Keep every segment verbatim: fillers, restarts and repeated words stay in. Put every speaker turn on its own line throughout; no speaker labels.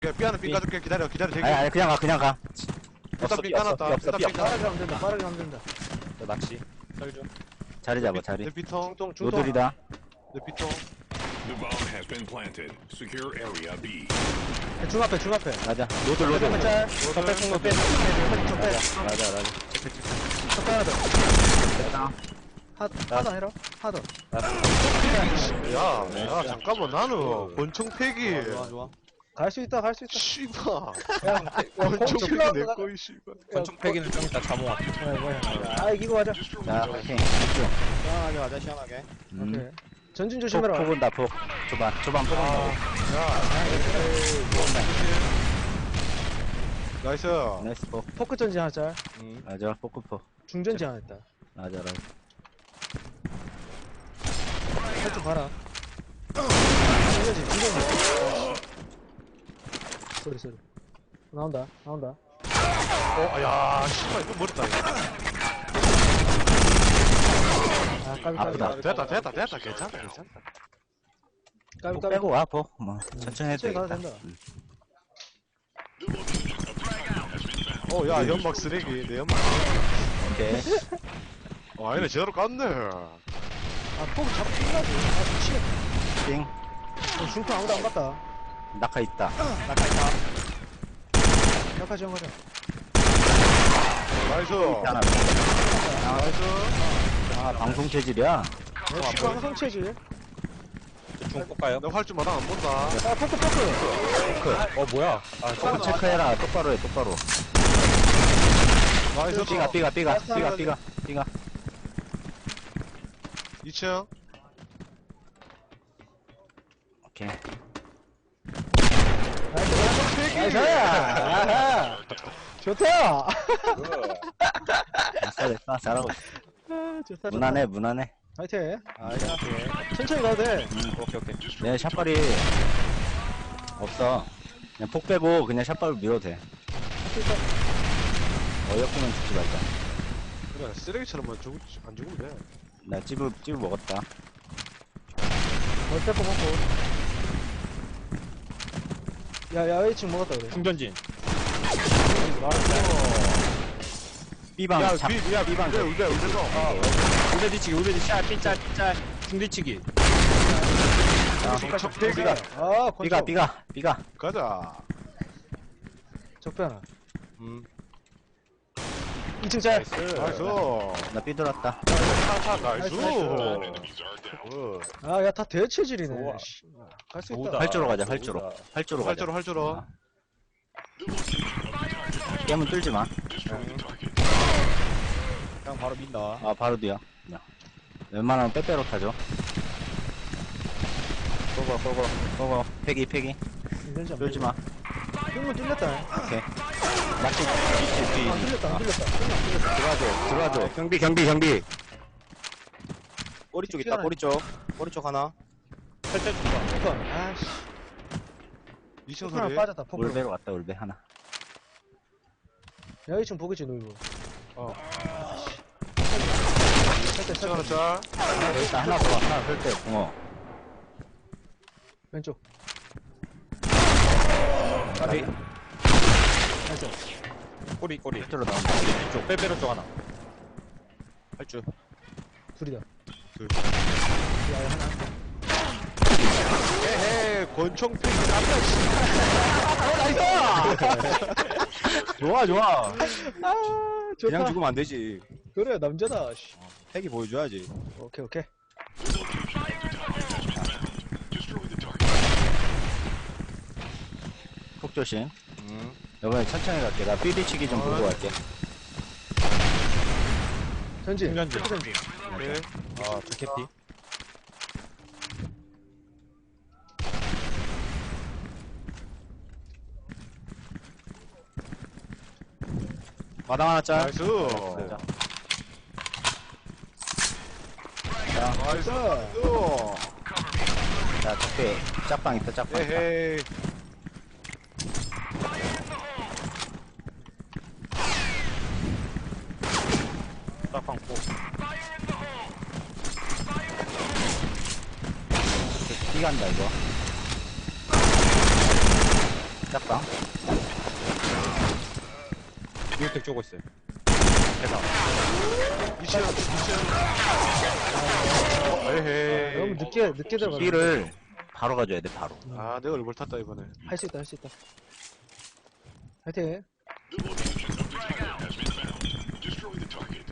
삐아는 삐 까줄게. 기다려 기다려 대기.
아니 아니 그냥 가 그냥 가.
일단 삐 까놨다. 일단 삐 까놨다.
빠르게 하면 된다. 빠르게 하면 된다.
저 낚시 설중
자리 잡아 자리.
내 피통.
중통 중통.
로들이다.
내 피통.
The bomb has been planted. Secure area B.
중 앞에 중 앞에.
맞아. 로들 로들.
로드 짤.
더 뺏은 거 빼.
좀 빼.
맞아 맞아 맞아.
첫 하나 더.
됐다.
하 하나 해라. 하나 더.
야, 야 잠깐만 나는 권총 폐기.
좋아 좋아
갈 수 있다. 갈 수 있다.
씨발.
야,
권총 폐기
야,
내 거이 씨발.
권총 패기는 좀 이따 자몽 할게.
아 이기고 가자.
자 오케이. 집중.
시원하게 가자 시원하게.
음.
오케이. 전진
폭,
조심해라.
폭 온다 폭. 초반 초반 폭 온다.
나이스.
나이스 폭.
포크 전진 하나 짤.
음.
맞아 포크 폭.
중전진 하나 있다.
맞아 맞아.
살짝 봐라. 중전진 중전진. 소리 소리. 나온다. 나온다.
어, 야, 씨발 이거 머리다. 이거.
아 까비 까비.
아프다.
됐다, 됐다, 됐다. 괜찮다, 괜찮다.
까비
폭
까비.
빼고 와 폭. 뭐 천천히 해도
천천히 가도
되겠다.
된다.
어, 야, 연막 쓰레기. 내 연막.
오케이.
어, 아니네, 제대로 깠네.
아 포크 잡고 끝나지. 아 미치겠다.
띵.
어, 중통 아무도 안 갔다.
낙하 있다.
낚시 있다.
약하 지원 가자.
나이스.
하나.
나이스.
아 방송 체질이야.
어, 씨발 항상 체질.
중 뽑까요?
내 활주 마당 안 본다.
아 포크 포크.
어 뭐야? 아
폭 체크해라. 똑바로 해 똑바로.
나이스.
삐가 삐가 삐가 삐가 삐가 삐가.
이 층.
오케이.
나이스. 아하. 좋다.
아싸 됐다. 잘하고 있어.
아, 좋다.
무난해 무난해.
파이팅.
아 시원하게.
천천히 가도 돼.
오케이 오케이.
내 샷발이 없어. 그냥 폭 빼고 그냥 샷발로 밀어도 돼. 어이없으면 죽지 말자.
그래, 쓰레기처럼만 죽, 안 죽으면 돼.
나 찌부 찌부 먹었다.
멀 빼고 먹고. 야, 야외층 먹었다 그래.
중전진.
B방
야,
잡.
뒤, 야,
B방
우대,
잡.
우대, 우대, 어.
우대 뒤치기 우대 뒤치기 짤 핀짤 짤 중뒤치기.
척 폐기가.
아,
B가
권총.
B가 B가.
가자.
적배 하나.
음.
이 층 짤.
나이스.
나이스.
나 B 돌았다.
차차, 나이스.
나이스.
어.
아, 야, 다 대체질이네.
좋아.
갈 수 있다.
좋다.
활주로 가자 활주로. 활주로 가자.
활주로, 활주로.
아. 깨문 뚫지 마.
그냥 바로 민다.
아 바로 뒤야. 야. 웬만하면 빼빼로 타죠. 고고 고고 고고. 패기 패기.
인텐션.
뚫지 마.
흉문 뚫렸다.
오케이. 낚시 뒤 뒤.
아, 뚫렸다, 안 뚫렸다. 흉문 안 뚫렸다.
들어와줘 들어와줘.
경비 경비 경비. 꼬리 쪽 있다 꼬리 쪽. 꼬리 쪽 하나. 살짝 준다.
포크. 아씨.
이 층
포크 하나
소리.
빠졌다, 포크.
울베로 왔다 울베 하나.
야외층 보겠지, 놀고.
어.
살짝,
이 층 하나
살짝.
짤.
일단 하나 더 하나 설때 붕어.
왼쪽.
까비.
살짝.
꼬리 꼬리.
밑으로 나온다.
쪽 빼빼로 쪽 하나. 할줄.
둘이다.
둘.
야, 야, 하나.
에헤, 권총 폐기
좋아 좋아.
아, 좋다.
그냥 죽으면 안 되지.
그래, 남자다. 씨.
핵이 보여줘야지.
오케이, 오케이.
폭 조심.
음.
이번에 천천히 갈게. 나 삐리치기 좀 보고 갈게.
전진.
중전진.
포크 전진.
오케이.
아 좋겠디. 마당 하나 짤.
나이스.
자,
나이스.
자, 적배 짝방 있다, 짝방 있다.
에헤이.
짝방 포.
뛰간다 이거. 짝방.
비오텍 쪼고 있어요.
이천 이천 에헤이
너무 늦게 늦게 들어가.
B를 바로 가져야 돼, 바로.
아 내가 얼굴 탔다 이번에
할수 있다 할 수 있다. 화이팅.
The location of the target has been found. Destroy the target.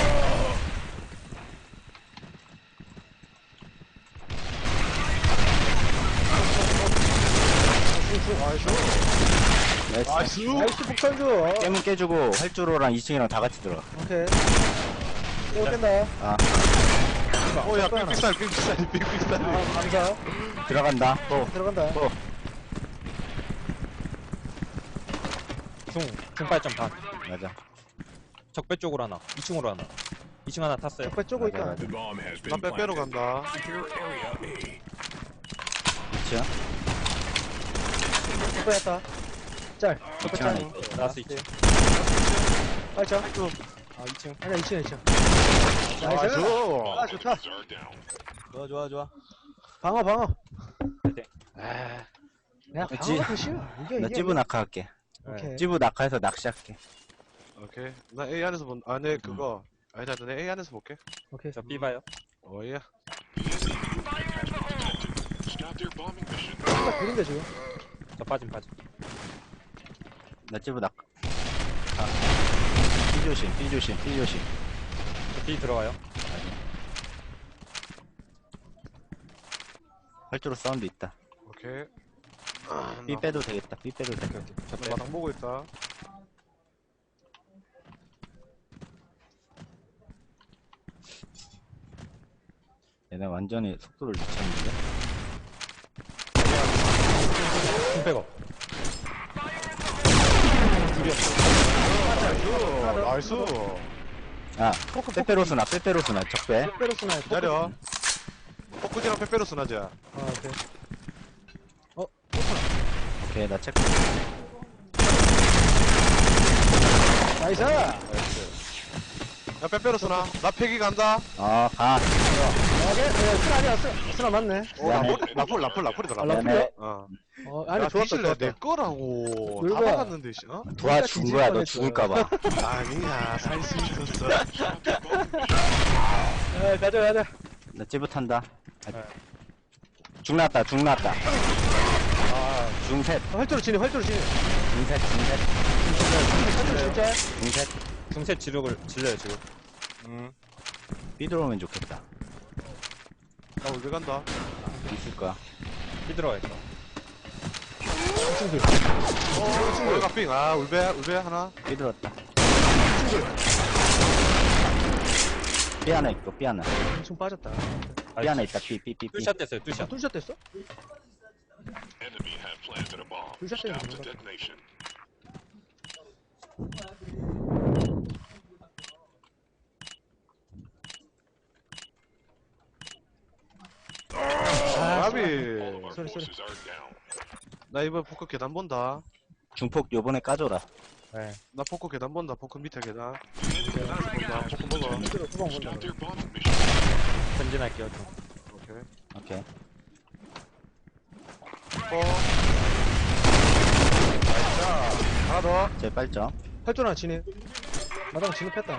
나이스.
나이스
나이스 폭탄주.
깨문 깨주고, 활주로랑 이 층이랑 다 같이 들어가.
오케이. 이거 깬다.
아,
어야 삑삑살 삑삑살 삑삑살
아, 감사.
들어간다. 또.
들어간다.
또.
중, 중발점 반.
맞아.
적배 쪽으로 하나. 이 층으로 하나. 이 층 하나 탔어요.
적배 쪼고
맞아,
있다.
맞아.
The bomb has
나
been
빼빼로
planted.
간다
Secure area A.
이 층.
적배였다. 짤.
이 층 하나 있고.
나스 이 층.
팔자.
아, 이 층.
아니야, 이 층, 이 층. 나이스.
나이스
아, 좋다.
Targets are down.
좋아 좋아 좋아.
방어, 방어.
화이팅.
야,
나
방어가 더 쉬워. 이게,
나
이게.
찌부 낙하할게.
오케이.
찌부 낙하해서 낚시할게.
오케이 나 A 안에서 본아내 그거 아니다 내 A 안에서 볼게
오케이.
저 B 봐요.
어이야
Stop their bombing mission.
딱 그린데, 지금.
저 빠짐, 빠짐.
나 찌부 낙하. 아. B 조심, B 조심, B 조심.
저 B 들어가요.
활주로 사운드 있다.
오케이
B 빼도 되겠다. B 빼도 돼.
저 마당 보고 있다
얘네 완전히 속도를 늦췄는데.
중백업.
나이스
아, 빼빼로스나, 빼빼로스나, 적배.
페로스나.
기다려 포크지랑 페페로스 나자
아, 오케이.
오케이, 나 체크.
나이스!
야 빼빼로스나 나 패기 간다
어, 가.
오케이. 네, 쓰나 아니야, 쓰, 쓰나 맞네.
어 라풀 라풀 라풀 라풀이다
아,
라풀
라풀이야?
어
어, 아니,
야,
좋았다,
뒤질래
좋았다.
내 거라고 다
놀거야.
박았는데 씨 어?
도와준 거야, 너 죽을까봐.
아니야 살 수 있었어
야, 가자, 가자.
나 찌부 탄다. 아,
네.
죽 났다, 죽 났다.
아,
중셋,
활주로 진입, 활주로 진입.
중셋, 중셋,
활주로 진짜.
중셋.
중세 지력을 질려요, 지금.
음.
B 들어오면 좋겠다.
나 울베 간다
있을 거야.
B 들어가 있어.
어 울베 빙 아 울베 울베 하나
B 들어왔다. B 하나 있고, B 하나.
엄청 빠졌다.
B 하나 있다, B, B, B, B.
뚫샷 됐어요, 뚫샷.
뚫샷 됐어?
Enemy have planted a bomb.
Who's that
Stop
thing?
the detonation.
아비
All of our
Sorry, sorry.
forces are down.
나 이번 포크 계단 본다
중폭 요번에 까줘라.
네.
나 포크 계단 본다 포크 밑에 계단 계단에서 본다 포크 먹어
활주로 후방 본다.
Stop their bombing mission.
전진할게요, 좀.
오케이
오케이.
어 나이스 하나 더
제 빨점.
활주로 하나 진입. 마당 진입했다.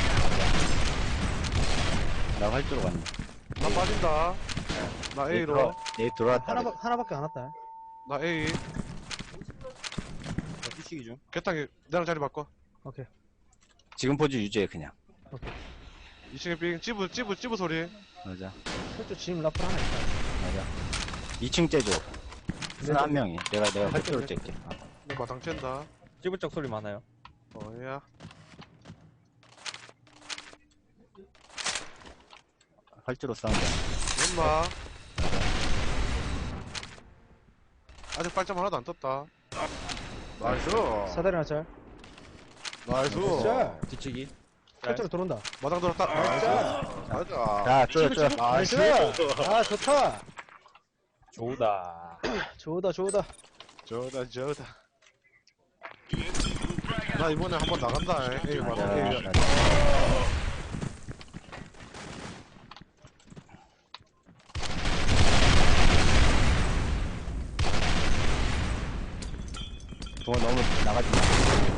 나 활주로 갔네.
나 빠진다 나
얘
A로
들어, 얘 들어왔다.
하나, 하나밖에 안 왔다.
나 A
저 뚜시기 중.
개탕이 내랑 자리 바꿔
오케이.
지금 포즈 유지해, 그냥.
이 층에 빙 찌부 찌부 찌부 소리
맞아.
활주로 진입 라플 하나 있다.
맞아. 이 층 째줘. 쓰나 한 명이. 내가, 내가 활주로 째게. 어.
내 마당 쨘다
찌부쩍 소리 많아요.
어야
활주로 사운드.
엄마 아직 발점 하나도 안 떴다 나이스
사다리 하나 짤.
나이스
짤.
뒤치기.
활주로 들어온다.
마당 들었다 나이스 맞아
자, 쪼여, 쪼여.
나이스! 아, 좋다.
좋다.
좋다, 좋다.
저다 저다 나 이번에 한번 나간다 에이
맞아,
마당 에이
맞아. 중원 너무 나가지 마.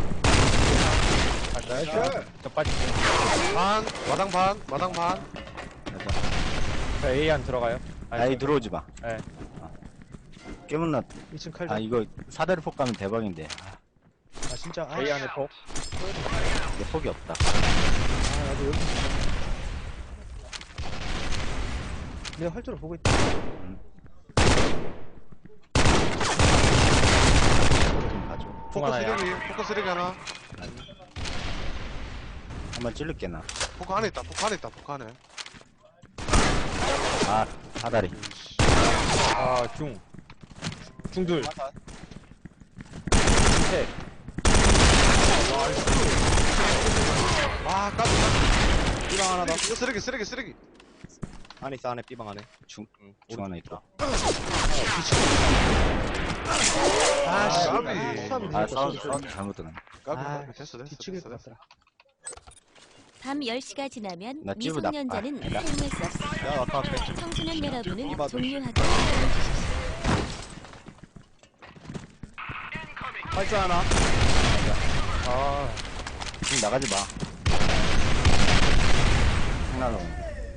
나이스. 저 빠질게요.
반, 마당 반, 마당 반.
가자.
저 A 안 들어가요.
아이, 들어오지 마.
네.
깨문나,
이 층 칼.
아,
아,
이거 사다리 폭 가면 대박인데. 아,
아 진짜. 아,
A 안에 폭.
이게 폭이 없다.
아 나도 여기. 내가 활주로 보고 있다.
좀 봐줘.
통
포커
하나야.
쓰레기, 포커 쓰레기 하나.
한번 찔를게, 나.
포커 안에 있다, 포커 안에 있다, 포커 안에.
아, 사다리.
아, 중. 중둘. 셋.
아, 까비.
삐방 하나 더.
이거 쓰레기, 쓰레기, 쓰레기.
안에 있어, 안에 삐방 안에.
중, 중 하나 있다.
아 씨.
까비.
수압이
아,
늦었다.
싸워,
쏘리,
싸워,
쏘리.
잘못 들었네.
까비,
아,
까비. 됐어, 됐어,
뒤치길
됐어, 됐어.
같더라.
밤 열 시가 지나면
나 찌부 나-
미성년자는
아, 나-
사용할 수 없습니다.
야, 아까 앞에.
청소년 여러분은
이봐도.
종료하고 기다려주십시오.
활주 하나.
아,
중 나가지 마. 장난 없네.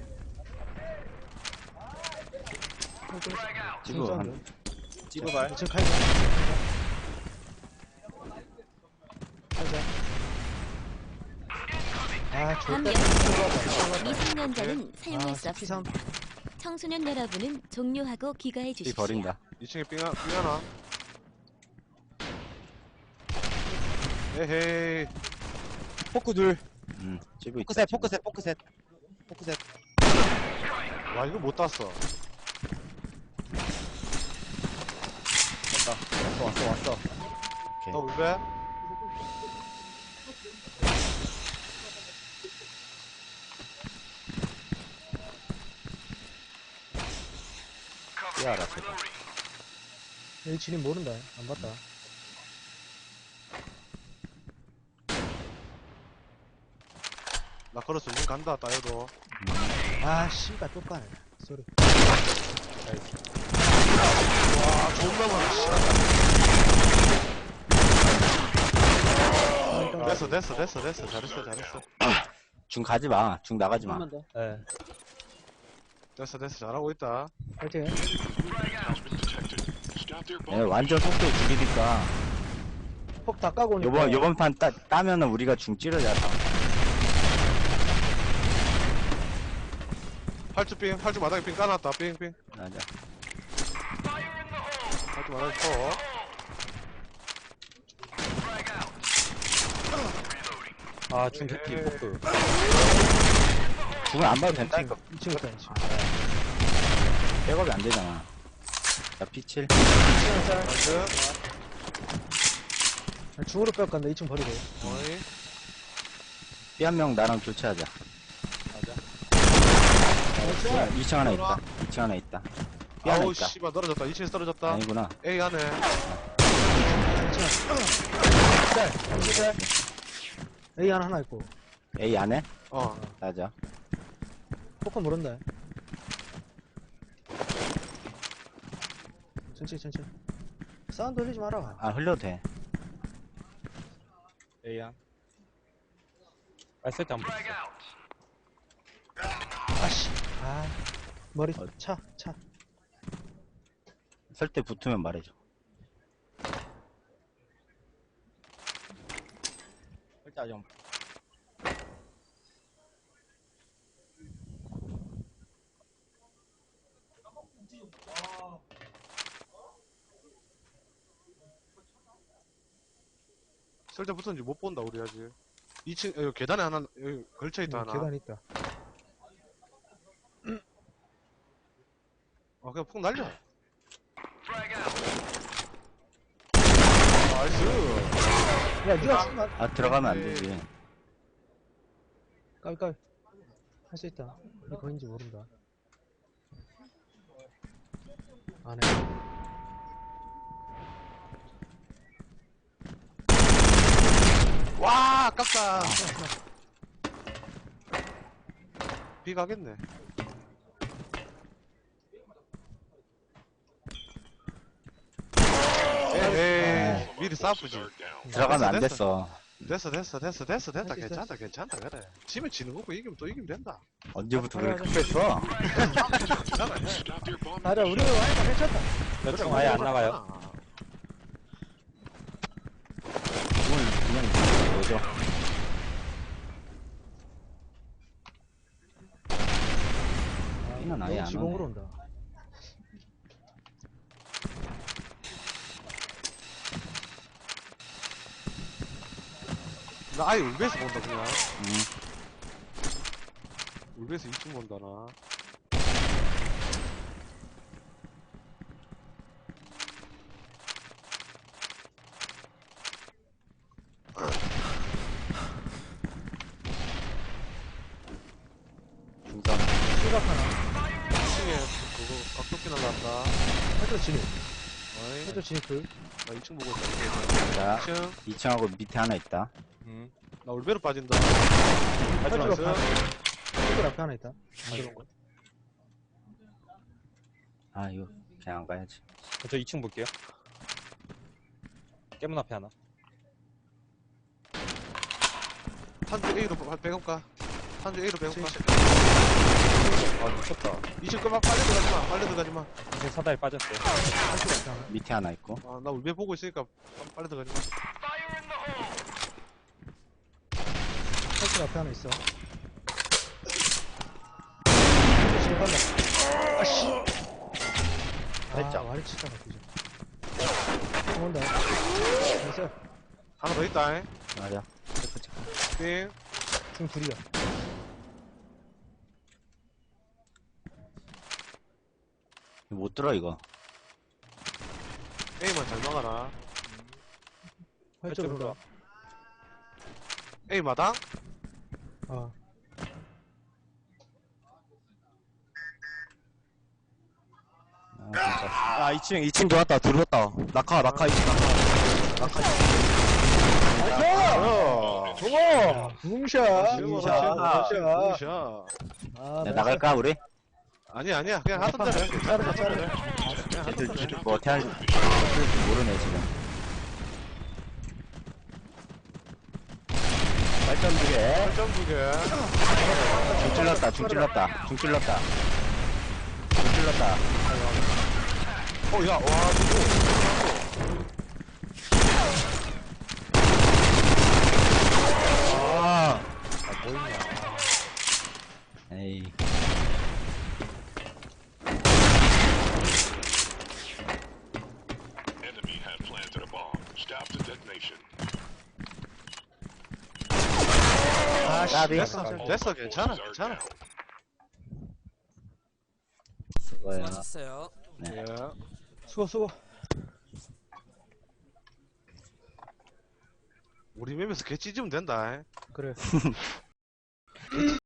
지금 한,
찌부발.
이 층 칼. 가자. 아
밤
좋다.
열 시 미성년자는 사용할
아
수
피삼.
없습니다. 청소년 여러분은 종료하고 귀가해
이
주십시오.
버린다.
이 층에 삥, 하- 삥 하나. 에헤이.
포크 둘.
음, 찌부 있다.
포크셋,
찌부.
포크셋, 포크셋. 포크셋.
와, 이거 못 땄어.
왔어, 왔어, 왔어.
오케이.
너 울베?
삐아라, 제발.
여기 진입 모른다. 안 봤다.
나 걸었어, 문 간다, 따여도.
아 씨가 또 까네. 쏘리.
와, 존나 많아, 씨.
아, 일단
됐어, 됐어, 됐어, 됐어. 잘했어, 잘했어.
중 가지 마. 중 나가지 마.
한번 더.
네.
됐어, 됐어. 잘하고 있다.
파이팅.
얘 완전 속도 죽이니까.
폭 다 까고 오니까.
요번, 요번 판 따, 따면은 우리가 중 찌르자. 다.
팔주 삥, 팔주 마당에 삥 까놨다, 삥, 삥.
맞아.
팔주 마당에 쳐.
아, 중 개피 포크.
중을 안 봐도 된다니까.
이 층 있다. 이 층.
백업이 안 되잖아. 자, 피 칠.
나이스.
아, 중으로 뺄 건데 이 층 버리고.
어이.
삐 한 명 나랑 교체하자. 이 층 하나 있다. 이 층 하나 있다. 삐 하나
아우,
있다.
씨발, 떨어졌다. 이 층에서 떨어졌다.
아니구나.
A 안에.
A 하나 하나 있고.
A 안에?
어.
맞아.
포커 모른다. 천천히 천천히. 사운드 흘리지 마라.
아, 흘려도 돼.
A야.
아, 세트 안 붙었어.
아씨. 아 머리
어.
차 차.
설 때 붙으면 말해줘.
일단 좀.
쓸데 붙었는지 못 본다, 우리 아직. 이 층, 여기 계단에 하나, 여기 걸쳐있다, 하나.
계단 있다.
어, 그냥 폭 날려. 나이스.
야 니가 쏜다.
아, 들어가면 안 되지.
까비 까비. 할 수 있다. 이게 거인지 모른다. 안 해.
와, 아깝다. B 가겠네. 에이, 미리 오히려 싸프지.
Are down.
들어가면 안
됐어.
됐어.
됐어, 됐어, 됐어, 됐어, 됐다.
할수 있어,
괜찮다, 괜찮다, 그래. 지면 지는 거고, 이기면 또 이기면 된다.
언제부터
그래,
그렇게 급했어?
괜찮아, 해.
Stop their bomb.
아니야, 우리 와이가 괜찮다.
몇 층 아예 안 나가요.
오늘 그냥 뭐죠? B는 아예 안
지공으로
오네.
온다.
나 아예 울베에서 본다, 그냥.
응.
울베에서 이 층 본다, 나.
중점.
시각 하나.
이 층에 그거 각도기 날라왔다.
해저 진입.
어이,
해저 진입 둘.
나 이 층 보고 있다.
자,
이 층.
이 층하고 밑에 하나 있다.
음.
나 울베로 빠진다.
해저
나이스.
앞에. 해저 앞에 하나 있다. 안 들어온 거.
아, 이거 그냥 안 가야지.
저 이 층 볼게요. 깨문 앞에 하나.
한주 A로 백업가. 한주 A로 백업가.
아 미쳤다.
이 층 그만 빨리 들어가지 마. 빨리 들어가지 마.
이제 사다리 빠졌어요.
해저 앞에 하나.
밑에 하나 있고.
아, 나 울베 보고 있으니까 빨리 들어가지 마.
해저 앞에 하나 있어. 해저 진입 한다. 아씨.
됐죠.
아, 와리 치다가 그죠. 온다. 됐어.
하나 더 있다. 잉.
맞아. 체크 체크.
띵.
지금 둘이야.
이거 못 들어 이거.
A만 잘 막아라.
해저 온다.
A 마당?
아.
아, 진짜.
아, 이 층, 이 층 들어왔다. 들어왔다. 낙하, 낙하, 이 층, 낙하.
어.
좋아! 붕샷!
붕샷.
붕샷!
붕샷.
아,
야, 나갈까 우리?
아니야, 아니야. 그냥 하던 대로 해.
자르자, 자르자.
그냥 하던
쟤들
대로 해.
쟤들 뭐 어떻게 할지 모르네 지금. 발전 두 개.
팔점 두 개.
중 찔렀다. 중 찔렀다. 중 찔렀다. 중 찔렀다.
어, 야, 와, 누구?
아. 에이.
Enemy had planted a bomb. Stop the detonation.
아, 씨.
까비.
됐어, 됐어, 괜찮아,
Are
괜찮아.
down.
수고해요.
수고하셨어요.
네.
예.
수고, 수고.
우리 맵에서 개 찢으면 된다. 잉.
그래.